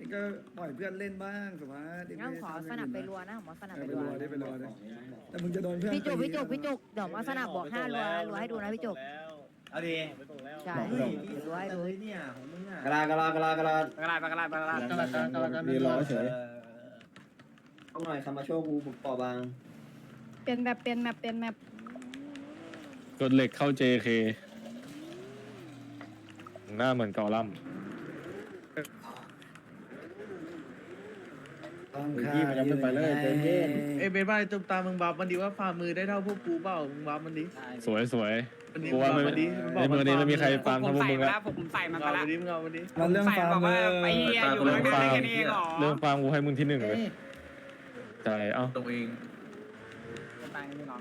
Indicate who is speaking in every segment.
Speaker 1: นี่ก็ปล่อยเพื่อนเล่นบ้างสุภาพ
Speaker 2: งั้นขอสนับไปรัวนะผมว่าสนับ
Speaker 1: ไป
Speaker 2: ไป
Speaker 1: รั
Speaker 2: รั
Speaker 1: ว
Speaker 2: ว
Speaker 1: ได้ไปรัวได้แต่มึงจะโดนเพื่อน
Speaker 2: พี่จุกเดี๋ยวมาสนับบวก5รัวให้ดูนะพี่จุก
Speaker 3: เอาดิ
Speaker 2: ใช่
Speaker 3: เฮ้ย
Speaker 2: รัวให้ดู
Speaker 3: เนี่ยของมึงอ่ะ
Speaker 4: กระลากระลากระลากระลา
Speaker 5: ปากกาลาด
Speaker 4: มีรอเฉยเอาหน่อยคำมาโชว์กูบุกปอบาง
Speaker 6: เป็นแบบเป็นแมปเป็นแมป
Speaker 5: กดเหล็กเข้า JK หน้าเหมือนเกาลัม
Speaker 4: พี่มันยังไม่ไปเลยเต็มเย็น
Speaker 3: เอ้ยเบนบ้าตุ้มตามึงบัฟมันดีว่าฝ่ามือได้เท่าพวกกูเปล่ามึงบัฟมันดิ
Speaker 5: สวยสวย
Speaker 3: มันดี
Speaker 5: กูว่า
Speaker 3: มันดี
Speaker 5: ในมือนี้ไม่มีใครฟาร์มเท่าพวกมึงแล้ว
Speaker 7: ผมใส่มัน
Speaker 3: เอา
Speaker 7: ไปแล้ว
Speaker 3: มันดิมึงเอามันดิ
Speaker 1: มันเรื่องฟาร์มเลย
Speaker 7: ไอ้เหี้ยอยู่แล้วได้แค่นี้หรอ
Speaker 5: เรื่องฟาร์มกูให้มึงที่หนึ่งเลยใช่เอ้า
Speaker 3: ตัวเอง
Speaker 7: ตายไม่ร้อง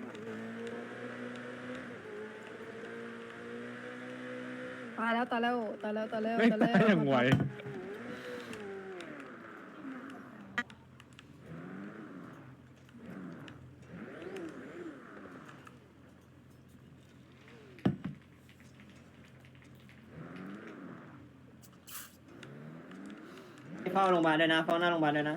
Speaker 6: ตายแล้วตายแล้วตายแล้วตายแล้ว
Speaker 5: ไม่
Speaker 6: ตาย
Speaker 5: ได้
Speaker 6: แล้ว
Speaker 5: ยังไหว
Speaker 4: เฝ้าโรงพยาบาลด้วยนะเฝ้าหน้าโรงพยาบาลด้วยนะ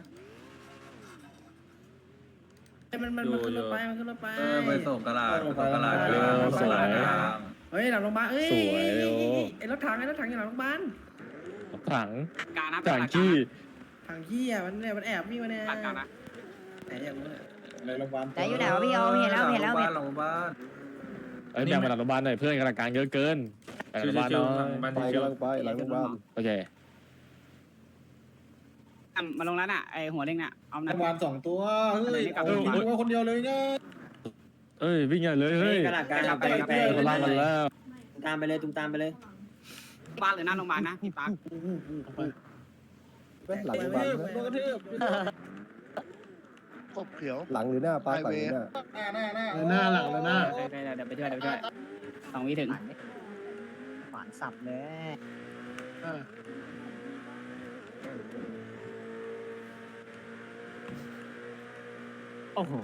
Speaker 3: มันขึ้นรถไปมันขึ้นรถไป
Speaker 8: ไปส่งกระดาษไปส่งกระดาษ
Speaker 5: สวย
Speaker 3: เฮ้ยหลังโรงพยาบาลเอ้ย
Speaker 5: สวยเร็ว
Speaker 3: ไอ้รถถังอยู่หลังโรงพยาบาล
Speaker 5: ถัง
Speaker 7: การนะ
Speaker 5: ถังขี้
Speaker 3: ถังขี้อ่ะมันเนี่ยมันแอบมีมาเนี่ย
Speaker 7: ตัดการนะ
Speaker 3: ไหนอย่างนู้น
Speaker 4: ในโรงพยาบาล
Speaker 2: แต่อยู่ไหนวะพี่ยอมเห็นแล้ว
Speaker 8: หลังบ้าน
Speaker 5: เอ้ยแบ่งมาหลังโรงพยาบาลหน่อยเพื่อนกำลังการเยอะเกินหลังโรงพยาบาลเนาะ
Speaker 4: ไปกำลังไปหลังโรงพยาบาล
Speaker 5: โอเค
Speaker 7: มาลงแล้วน่ะไอหัวเด้งน่ะเอาห
Speaker 4: โร
Speaker 7: น่ะ
Speaker 4: งพยาบาล2 ตัวเฮ้ย
Speaker 7: เอา
Speaker 4: ตัวคนเดียวเลยเนี่ย
Speaker 5: เอ้ยวิ่งใหญ่เลยเฮ้ย
Speaker 4: กระดาษการไป
Speaker 5: เขาล่างกันแล้ว
Speaker 4: ตามไปเลยตุ้มตามไปเลย
Speaker 7: บ้านหรือหน้าโรงพยาบาลนะพี่ปั๊ก
Speaker 4: หลังโรงพยาบาล
Speaker 9: กบเขียว
Speaker 4: หลังหรือหน้าป้าหลังหรือหน้า
Speaker 9: หน้าหลังเลยหน้า
Speaker 7: เดี๋ยวไปช่วย2 วิถึง
Speaker 2: ขวานสับเลย
Speaker 7: โอ้โห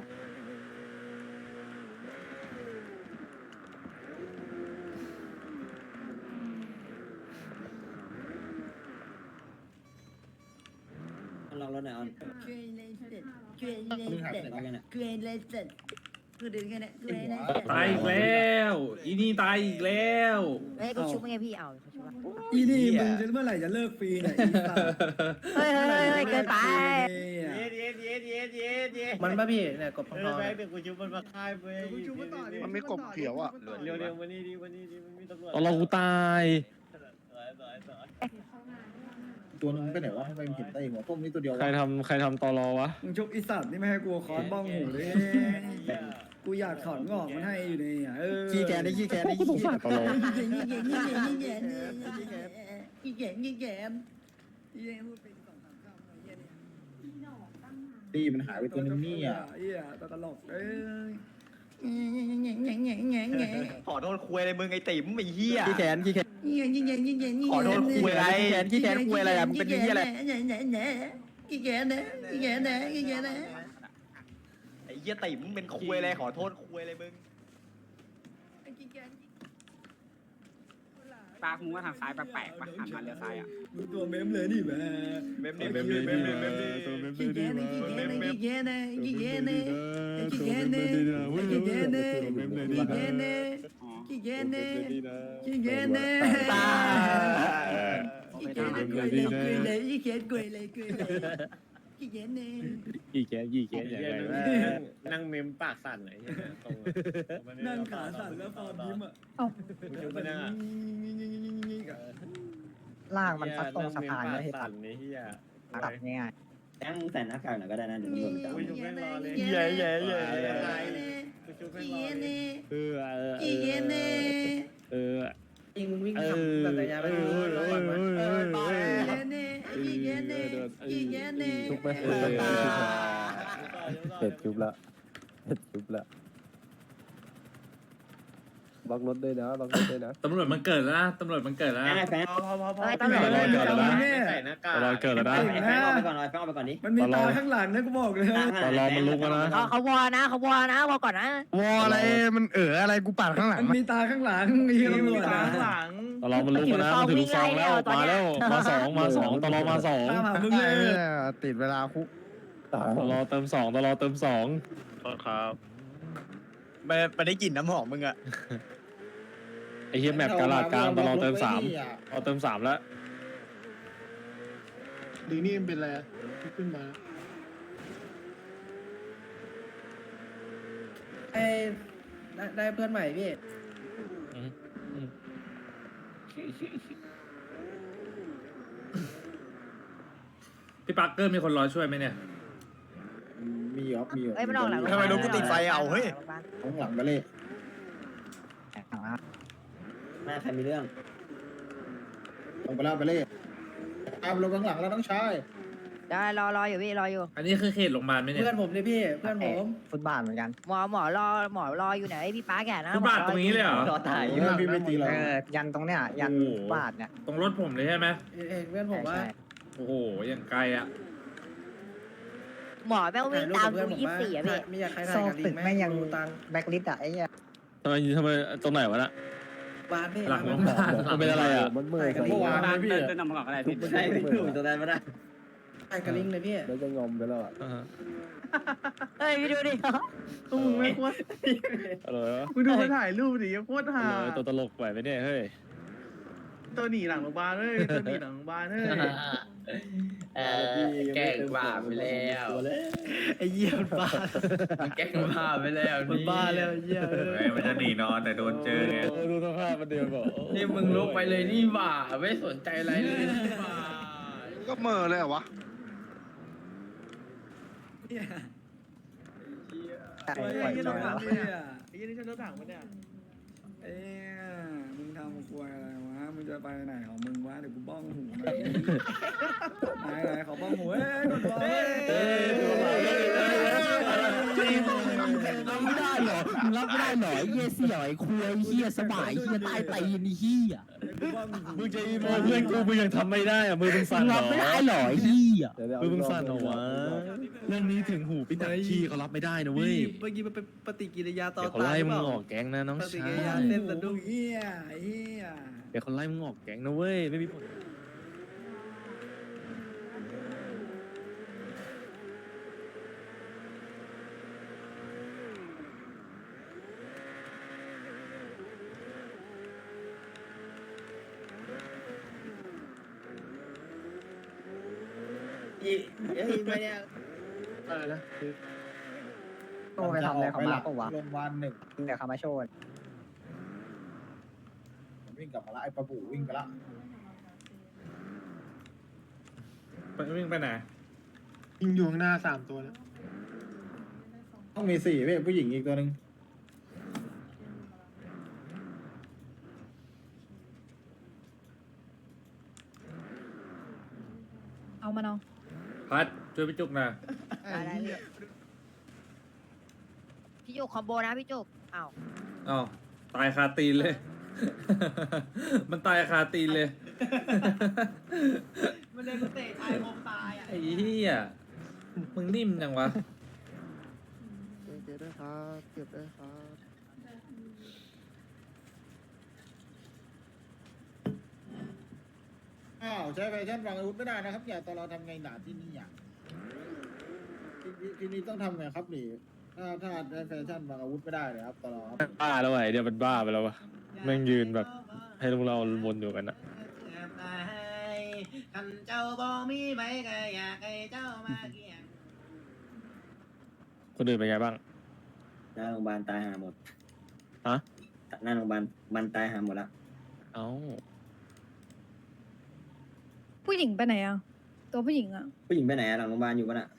Speaker 4: ลองรถหน่อยออน
Speaker 2: ช่วยเลยเสร็จช่วยเลยเสร็จช่วยเลยเสร็จคือดึงแค่นี้ช่วยเลย
Speaker 8: ตายอีกแล้วอีนี่ตายอีกแล้ว
Speaker 2: เฮ้ยกูชุบไงพี่เอาเขาชุบว่า
Speaker 1: อีนี่มึงจะเมื่อไหร่จะเลิกฟรีเนี่ยอีสัตว์
Speaker 2: เฮ้ยเกินไป
Speaker 3: มันป่ะพี่เนี่ยกบพอง
Speaker 9: มันไม่กบเขียวอ่ะ
Speaker 5: ตอนเรากูตาย
Speaker 4: ตัวนึงไปไหนวะทำไมมันเห็นได้หัวต้มนี่ตัวเดียว
Speaker 5: ใครทำตอรอวะ
Speaker 1: มึงชุบอีสัตว์นี่ไม่ให้กูคอนบ้องหูเลยกูอยากถอนงอกมันให้อยู่เนี่ยขี้แกได้ขี้แกได้ขี้แก
Speaker 5: ตอรอ
Speaker 4: ตีมันหายไปตัวนึงนี่อ่ะ
Speaker 1: เหี้ยตลกเอ้ย
Speaker 3: ขอโทษคุยอะไรมึงไอ้ติ๋มไอ้เหี้ย
Speaker 4: ขี้แขนขี้แขน
Speaker 3: ขอโทษคุยอะไร
Speaker 4: ขี้แขนคุยอะไรอ่ะมึงเป็นเหี้ยอะไร
Speaker 3: ไอ้เหี้ยติ๋มเป็นคุยอะไรขอโทษคุยอะไรมึง
Speaker 7: ปากมึงว่าทางซ้ายแปลกๆป่ะหันมาเลี้ยวซ้ายอ่ะ
Speaker 1: มึงตัวเมมเลยนี่แม่
Speaker 3: เมมนี่
Speaker 5: เมมดีดีตัวเมมดีดีกี่แกอย่างไร
Speaker 8: นั่งเมมปากสั่นเลยตรง
Speaker 1: นั่งขาสั่นแล้วฟอร์มยิ้มอ่ะ
Speaker 8: ชุบไปนั่งอ่ะ
Speaker 2: ล่างมันซัดตรงสะพานเลยให้
Speaker 8: สั่
Speaker 2: ตั
Speaker 8: น
Speaker 2: ด
Speaker 8: นี่เฮีย
Speaker 2: ตัดง่าย
Speaker 4: แจ้งมึงใส่หน้ากากหน่อยก็ได้นะเดี๋ยวมึงโดนจับ
Speaker 8: ชุบแม่งรอเลย
Speaker 5: เย่เย่เย่
Speaker 8: ชุบแม่งรอเลย
Speaker 3: ยิงวิ่งทำแบบไหนยาไปดูก่อนมัน
Speaker 4: ชุบไปเสร็จชุบละเสร็จชุบละ
Speaker 5: ล็อกรถด้วยนะล็อกรถด้วยนะ
Speaker 8: ตำรวจมันเกิดแล้วนะตำรวจมันเกิดแล้ว
Speaker 4: ไอ้แฟน
Speaker 3: พอ
Speaker 6: เฮ้ยตำรวจ
Speaker 1: เฮ้ย
Speaker 5: เกิดแล้วนะ
Speaker 1: เนี่ย
Speaker 8: ใส่หน้ากาก
Speaker 5: ตลอดเกิดแล้วนะ
Speaker 4: ไอ้แฟนเอาไปก่อนไอ้แฟนเอาไปก่อนดิ
Speaker 1: มันมีตาข้างหลังนะกูบอกเลย
Speaker 5: ตลอดมันลุกแล้วนะ
Speaker 6: เขาวอนะเขาวอนะวอก่อนนะ
Speaker 9: วออะไรมันอะไรกูปาดข้างหลัง
Speaker 1: มันมีตาข้างหลังไอ้เหี้ยตำรวจ
Speaker 3: ตา
Speaker 1: นะ
Speaker 3: ข้างหลัง
Speaker 5: ตลอดมันลุกแล้วนะมันถือลูกซองแล้วมาแล้วมาสองตลอดมาสอง
Speaker 1: ตามหามึงเลย
Speaker 9: ติดเวลาคุก
Speaker 5: ตลอดเติมสองตลอดเติมสอง
Speaker 9: ครับ
Speaker 10: ไม่ได้กลิ่นน้ำหอมมึงอะ
Speaker 5: ไอ้เฮียแมปกาลาดกลางตลอดเติมสามตลอดเติมสามแล้ว
Speaker 9: ดีนี่เป็นอะไรขึ้นมา
Speaker 3: ได้เพื่อนใหม่พี่
Speaker 8: พี่ปักเกอร์มีคนรอช่วยไหมเนี่ย
Speaker 9: มีครับมี
Speaker 6: เอ้ยมันออกหลัง
Speaker 10: ทำไมรถกูติดไฟเอาเฮ้ย
Speaker 9: ข้างหลังไปเลย
Speaker 4: แม่ใครมีเรื่อง
Speaker 9: ลงไปแล้วไปเลยเอาลงข้างหลังแล้วต้องใช้
Speaker 6: ได้รออยู่พี่รออยู่
Speaker 8: อันนี้คือเขตโรงพยาบาลไหมเนี่ย
Speaker 3: เพื่อนผมเลยพี่เพื่อนผม
Speaker 10: ฟุตบาทเหมือนกัน
Speaker 6: หมอรออยู่ไหนพี่ป้าแกนะ
Speaker 8: ฟุตบาทตรงนี้เลยเหรอ
Speaker 4: รอถ่าย
Speaker 9: พี่ไม่ตีเรา
Speaker 10: ยันตรงเนี้ยยัน
Speaker 8: โอ้โห
Speaker 10: ฟุตบาทเนี่ย
Speaker 8: ตรงรถผมเลยใช่ไหม
Speaker 3: เองเพื่อนผมว่า
Speaker 10: ใช่
Speaker 8: โอ้โหอย่างไกลอ่ะ
Speaker 6: หมอแม่งวิ่งตามกู24อ่ะพี่
Speaker 3: ไม่อยากใคร
Speaker 10: โซ่
Speaker 3: ถ่ายกับลิ
Speaker 10: ตึ
Speaker 3: ง
Speaker 10: ก
Speaker 3: ไหม
Speaker 10: แม่งยัง
Speaker 3: ดูตังค์
Speaker 10: แบ็คลิสต์อะไอ้เหี้ย
Speaker 5: ทำไมตรงไหนวะน่ะ
Speaker 3: บ้านพี่
Speaker 8: หลังโรงพยาบาล
Speaker 5: มันเป็นอะไรอ่ะ
Speaker 9: มันเมื่อย
Speaker 3: ถ่ายกับลิง
Speaker 7: เดินนำมาก่อนก็ได้พี่
Speaker 4: ไม่ใช่ไม่ถูกตรงนั้นไม่ได้
Speaker 3: ถ่ายกับลิงเลยพี่
Speaker 9: แล้วจะงอมไปแล้วอ่ะ
Speaker 6: เฮ้ยพี่ดูดิ
Speaker 3: ตุ้งไม่ควร
Speaker 5: อะไรวะ
Speaker 3: มึงดูคนถ่ายรูปดิโคตรห่า
Speaker 5: ตัวตลกไหวไหมเนี่ยเฮ้ย
Speaker 3: ตัวหนีหลังโรงพยาบาลเฮ้ยตัวหนีหลังโรงพยาบาลเฮ้ย
Speaker 4: แกล้งบ้าไปแล้ว
Speaker 3: ไอ้เหี้ยมันบ้า
Speaker 4: แกล้งบ้าไปแล้ว
Speaker 3: มันบ้าแล้วไอ้เหี้ยเออ
Speaker 8: มันจะหนีนอนแต่โดนเจอไง
Speaker 5: ดูสภาพมันเดียวบอก
Speaker 4: นี่มึงลุกไปเลยนี่บ้าไม่สนใจอะไรเลยนี่บ้า
Speaker 9: ก็เมื่อเลยเหรอวะ
Speaker 10: แต่
Speaker 1: ไอ้
Speaker 10: ปล่อย
Speaker 1: เหี้ย
Speaker 10: จ
Speaker 1: ต้
Speaker 10: อ
Speaker 1: อง
Speaker 10: ยแล้ว
Speaker 1: ทำเนี่ย
Speaker 3: ไอ้เหี้ยนี่ฉันรถถังปะเนี่ย
Speaker 1: เอ้ยมึงทำกลัวอะไรวะมึงจะไปไหนของมึงวะเดี๋ยวกูบ้องหูไหนเขาบ้องหูเอ้ยกดบอลเอ้ย
Speaker 10: รับไม่ได้เหรอรับไม่ได้เหรอไอ้เหี้ยเสี่ยวไอ้คุยไอ้เหี้ยสบายไอ้เหี้ยใต้ตีนไอ้เหี้ย
Speaker 5: มึงจะอีโมเพื่อนกูมึงยังทำไม่ได้อ่ะมือมึงสั่นเหร
Speaker 10: รั
Speaker 5: อบ
Speaker 10: ไม่ได้เหรอไอ้เหี้ย
Speaker 5: มือมึงสั่นเหรอวะเรื่องนี้ถึงหูพี่ตักขี้เขารับไม่ได้นะเว้ย
Speaker 3: เมื่อกี้มันเป็นปฏิกิริยาต่อ
Speaker 5: เดี๋ยวเขา
Speaker 3: ต้าน
Speaker 5: ไล่
Speaker 3: หรือ
Speaker 5: มึ
Speaker 3: เป
Speaker 5: ง
Speaker 3: ล่า
Speaker 5: ออกแก๊งนะน้อง
Speaker 3: ปฏิ
Speaker 5: ชา
Speaker 3: กิริยา
Speaker 5: ย
Speaker 3: เต้นสะดุ้ง
Speaker 1: เฮียเฮีย
Speaker 5: เดี๋ยวเขาไล่มึงออกแก๊งนะเว้ยไม่มีผล
Speaker 4: ไม่เนี่ย
Speaker 9: อะไรนะ
Speaker 10: โอ้ไปทำอะไรเขามาปะวะ
Speaker 9: โรงพยาบาลหนึ่ง
Speaker 10: เดี๋ยวเขามาโชว์
Speaker 9: วิ่งกลับมาละไอ้ปะบูวิ่งไปละ
Speaker 8: วิ่งไปไหน
Speaker 9: ยิงอยู่ข้างหน้า3 ตัวแล้วต้องมี4เว้ยผู้หญิงอีกตัวหนึ่ง
Speaker 6: เอามาน้อง
Speaker 8: พัดช่วยพี่จุกหน่อย
Speaker 6: ได้พี่จุกคอมโบนะพี่จุกอ้าว
Speaker 8: อ้าวตายคาตีนเลย มันตายคาตีนเลย
Speaker 3: มันเลยเตะชายผมตายอ่ะ
Speaker 8: ไอ้เหี้ยมึงนิ่มจังวะ
Speaker 9: เก็บได้ครับเก็บได้ครับอ้าวใช้แฟชั่นวางอาวุธไม่ได้นะครับอย่าตอนเราทำไงหนาที่นี่อ่ะที่นี่ต้องทำไงครับนี่ถ้าใช้แฟชั่นวางอาวุธไม่ได้เลยครับตอนเราครับ
Speaker 5: บ้าแล้วไอ้เดี๋ยวมันบ้าไปแล้ววะแม่งยืนแบบให้พวกเราวนอยู่กันอะ
Speaker 3: คันเจ้าบ่มีใบก็อยากให้เจ้ามาเกี่ยง
Speaker 5: คนอื่นเป็นไงบ้าง
Speaker 4: หน้าโรงพยาบาลตายหาหมด
Speaker 5: ฮะ
Speaker 4: หน้าโรงพยาบาลมันตายหาหมดละ
Speaker 5: เอ้า
Speaker 6: ผู้หญิงไปไหนอ่ะตัวผู้หญิงอ่ะ
Speaker 4: ผู้หญิงไปไหนอะหลังโรงพยาบาลอยู่ปะน่ะ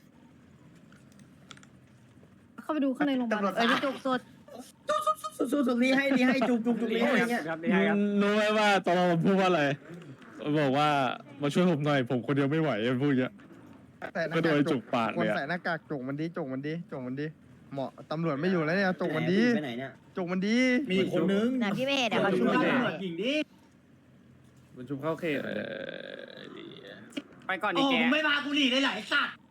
Speaker 6: เข้าไปดูข้างในโรงพยาบาลเอ้ยพี่จุกสด
Speaker 4: สุดรีให้จุกรีให้อะไรเงี้ย
Speaker 7: ครับนี่ให้ครับ
Speaker 5: รู้ไหมว่าตอนเราพูดว่าอะไรบอกว่ามาช่วยผมหน่อยผมคนเดียวไม่ไหวพูดอย่างเงี้ยก็โดยจุกปาก
Speaker 9: คน
Speaker 5: เลยอะ
Speaker 9: ใส่หน้ากากจกมันดิจกมันดิจกมันดิ
Speaker 3: หมอตำรวจไม่อยู่แล้วเนี่ยจกมันดี
Speaker 4: ไปไหนเนี่ย
Speaker 3: จกมันดี
Speaker 9: มีอีกคนนึง
Speaker 6: แต่พี่ไม่เห็นเดี๋ยวเขาชุบ
Speaker 9: ตำร
Speaker 6: เรา
Speaker 9: วจหญิงดิ
Speaker 8: มันชุบเข้าเขตเลย
Speaker 7: ไปก่อนดิแก
Speaker 2: ไม่มากูหลีเลยไหลสัตว์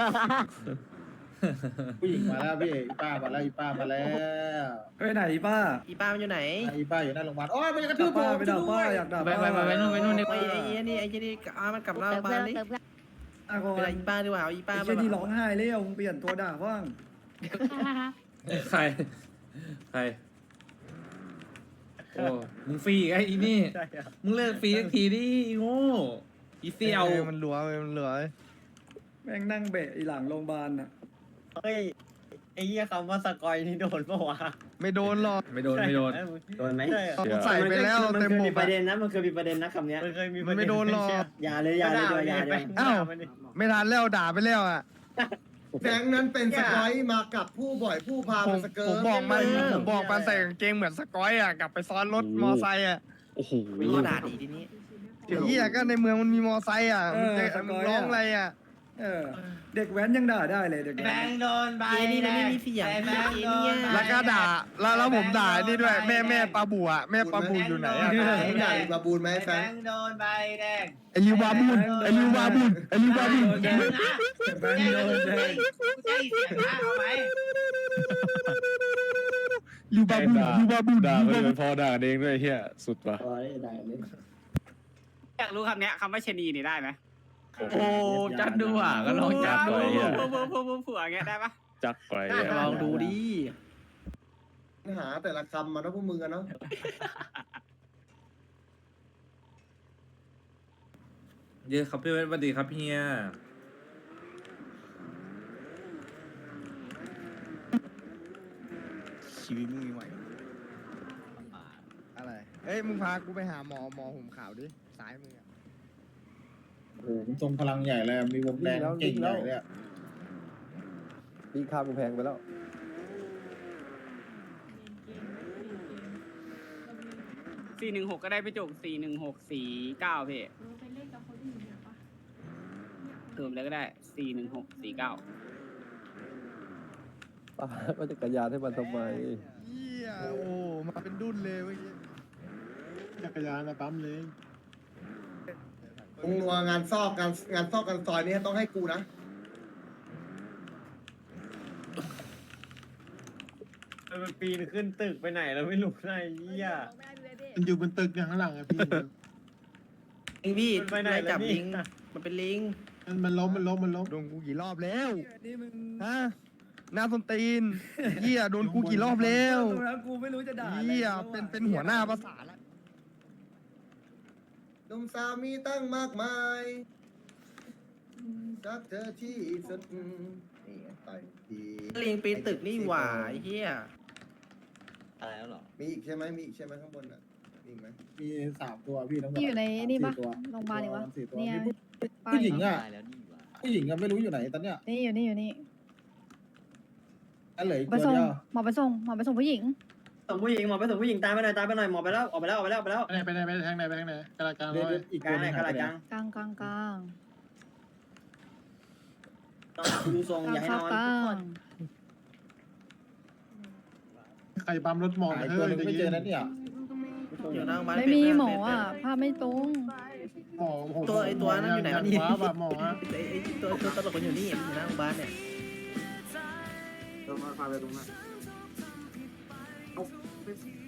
Speaker 9: ผู้หญิงมาแล้วพี่อีป้ามาแล้วอีป้ามาแล้ว
Speaker 1: ไปไหนป้า
Speaker 3: อีป้ามันอยู่ไหน
Speaker 9: อีป้าอยู่หน้าโรงพยาบาลโอ้ยมันจะกระทื
Speaker 1: ด่า
Speaker 9: บผ
Speaker 1: ป้าม ไปด่าป้าอยากด่า
Speaker 3: ไป
Speaker 1: ป้า
Speaker 3: ไปนู่นไอ้นี่มันกลับเราบ้านนี่
Speaker 1: อ่ะก่อ
Speaker 3: เป็น
Speaker 1: น
Speaker 3: อีป้าดีกว่าเอาอีป้า
Speaker 1: ไอ้เชี่ยนี่ร้องไห้เลยมึงเปลี่ยนตัวด่าบ้าง
Speaker 8: ใคร ใคร โอ้ มึงฟรีอีกไอ้อีนี่ มึงเลิกฟรีสักทีดิอีโง่อีเซียว
Speaker 3: มันเหลือมันเหลือ
Speaker 1: แม่งนั่งเบะอีหลังโรงพยาบาลน่ะ
Speaker 10: เฮ้ยไอ้เหี้ยคำว่าสกอยนี่โดนปะวะ
Speaker 3: ไม่โดนหรอก
Speaker 8: ไม่โดน ไม่โดน
Speaker 4: โดนไหม
Speaker 10: ใช่อะ
Speaker 3: ใส่ไปแล้ว
Speaker 4: มัน
Speaker 3: เต็ม
Speaker 4: เคย
Speaker 3: บ
Speaker 4: มี
Speaker 3: ก
Speaker 4: ประเด็นนะมันเคยมีประเด็นนะคำเนี้ย
Speaker 10: มันเคยมี
Speaker 3: มันไม่โดนหรอก
Speaker 4: อย่าเลยอย่าเลยดีกว่าอย่าเลย
Speaker 3: อ้าวไม่ทันแล้วด่าไปแล้วอ่ะ
Speaker 9: แบงค์นั้นเป็นสกอยมากับผู้บ่อยผู้พา
Speaker 3: ผ
Speaker 9: มาม สเกิ
Speaker 3: ผ
Speaker 9: ร์
Speaker 3: ม
Speaker 9: ต
Speaker 3: บอกมันใส่กางเกงเหมือนสกอยอ่ะกลับไปซ้อนรถมอไซค์อ่ะ
Speaker 5: โอ้โห
Speaker 3: ก็ด่าดีทีนี้เหี้ยก็ในเมืองมันมีมอไซค์อ่ะมึงร้องอะไรอ่ะ
Speaker 1: เด็กแว้นยังด่าได้เลยเด็ก
Speaker 2: แบ
Speaker 1: แว้น
Speaker 2: งค์โดนใบ
Speaker 3: นี่มันไม่มีเสียง
Speaker 2: แบงค์โดน
Speaker 3: แล้วก็ด่าแล้วผมด่านี่ด้วยแม่ปลาบูอ่ะแม่ปลาบูอยู่ไหนอ่ะ
Speaker 9: ใหญ่บาบูนไหมแฟ
Speaker 2: แบ
Speaker 9: น
Speaker 2: งค์โดนใบแดง
Speaker 3: ไอลิวบาบูนไอลิวบาบูนไอลิวบาบูน
Speaker 2: แดงนะ
Speaker 1: แว้นโดนแดง
Speaker 2: กูใช้เสียงนะเอาไหม
Speaker 3: ลิวบาบูนลิวบาบูน
Speaker 5: ด่าไปเลยพอด่ากันเองด้วยไอ้เฮียสุดว่ะ
Speaker 4: โอ้ยได้เลย
Speaker 7: อยากรู้คำเนี้ยคำว่าชะนีนี่ได้ไหม
Speaker 5: โอ้
Speaker 10: จัดดูอ่ะก็ลองจัด
Speaker 5: ไปเหี้ย
Speaker 7: ผัวอย่างเงี้ยได้ปะ
Speaker 5: จักไป
Speaker 3: ลองดูดิ
Speaker 9: หาแต่ละคำมาเนาะพวกมึงอะเนาะ
Speaker 8: เยอะครับพี่เวทสวัสดีครับเฮีย
Speaker 3: ชีวิตมึงมีไหวอะไรเอ้ยมึงพากูไปหาหมอห่มขาวดิซ้ายมือ
Speaker 9: โอ้โหมันทรงพลังใหญ่เลยมีวงแดงเก่งใหญ่เลย
Speaker 3: พี่ข้ามกูแพงไปแล้ว
Speaker 7: 416ก็ได้ไปจุก41649พี่เติมเลยก็ได้41649
Speaker 3: ว่าจักรยานให้มันทำไมเฮียโอ้มาเป็นดุนเลยเมื่อกี้
Speaker 9: จักรยานนะปั๊มเลยมึงนัวงานซอกงานซอกกันซอยนี้ต้องให้กูนะ
Speaker 10: มันปีนขึ้นตึกไปไหนแล้วไม่รู้นะไอ้เหี้ย
Speaker 9: มันอยู่บนตึกอย่างข้างหลังอะพี่
Speaker 3: พี่
Speaker 10: มันไปไหน
Speaker 3: ไล่
Speaker 10: แล้
Speaker 3: จั
Speaker 10: ว
Speaker 3: บ
Speaker 10: นี่
Speaker 3: ลิงมันเป็นลิง
Speaker 9: มันล้ม
Speaker 3: โดนกูกี่รอบแล้ว
Speaker 1: นี่มึง
Speaker 3: ฮะหน้าส้นตีนเฮียโดนกูกี่รอบแล้ว
Speaker 1: ตรงนั้นกูไม่รู้จะด่า
Speaker 3: เฮียเป็นหัวหน้าภาษาละ
Speaker 9: นมสาวมีตั้งมากมายรักเธอที่สุดนี่ต่อยที
Speaker 3: ลิงปีนตึกนี่หว่าไอ้เฮีย
Speaker 10: อะไรแล้วหรอ
Speaker 9: มีอีกใช่ไหมข้างบนอ่ะมีอีกไหมมี3 ตัวพี่ทั้งหมด
Speaker 6: ที่อยู่ในนี่ปะ
Speaker 9: 4 ตัว
Speaker 6: โรงพยาบาลอีกวะ
Speaker 9: 4 ตัว
Speaker 6: เนี่ย
Speaker 9: มี
Speaker 6: ป้า
Speaker 9: ผู้หญิงอ่ะ
Speaker 10: ตายแล้วนี่หว่า
Speaker 9: ผู้หญิงอ่ะไม่รู้อยู่ไหนตอนเนี้ย
Speaker 6: นี่อยู่นี่อยู่นี่
Speaker 9: อันเหลืออีก
Speaker 6: ไป
Speaker 9: ตัว
Speaker 6: ส่ง
Speaker 9: เดียว
Speaker 6: หมอไปส่งผู้หญิง
Speaker 4: ส่งผู้หญิงหมอไปส่งผู้หญิงตามไปหน่อยหมอไปแล้วออกไปแล้ว
Speaker 9: ไปทางไหนกระกลางอีก
Speaker 4: กลางไหนกลาง
Speaker 6: กลาง
Speaker 4: ต้องดูทรงอย่าให้นอน
Speaker 6: กลาง
Speaker 9: ใครปั๊มรถหมอตัวนึงไม่เจอนั่นเนี่ย
Speaker 3: อยู่หน้าบ้าน
Speaker 6: ไม่มีหมออ่ะภาพไม่ตรง
Speaker 9: หมอ
Speaker 3: ตัวนั้นอยู่ไหนวะนี่
Speaker 9: ว้าแบบหมอ
Speaker 3: ไอ้ตัวตลกมันอยู่นี่มันอยู่หน้าโรงพยาบาลเนี่ย
Speaker 9: มาพาไปตรงนั้น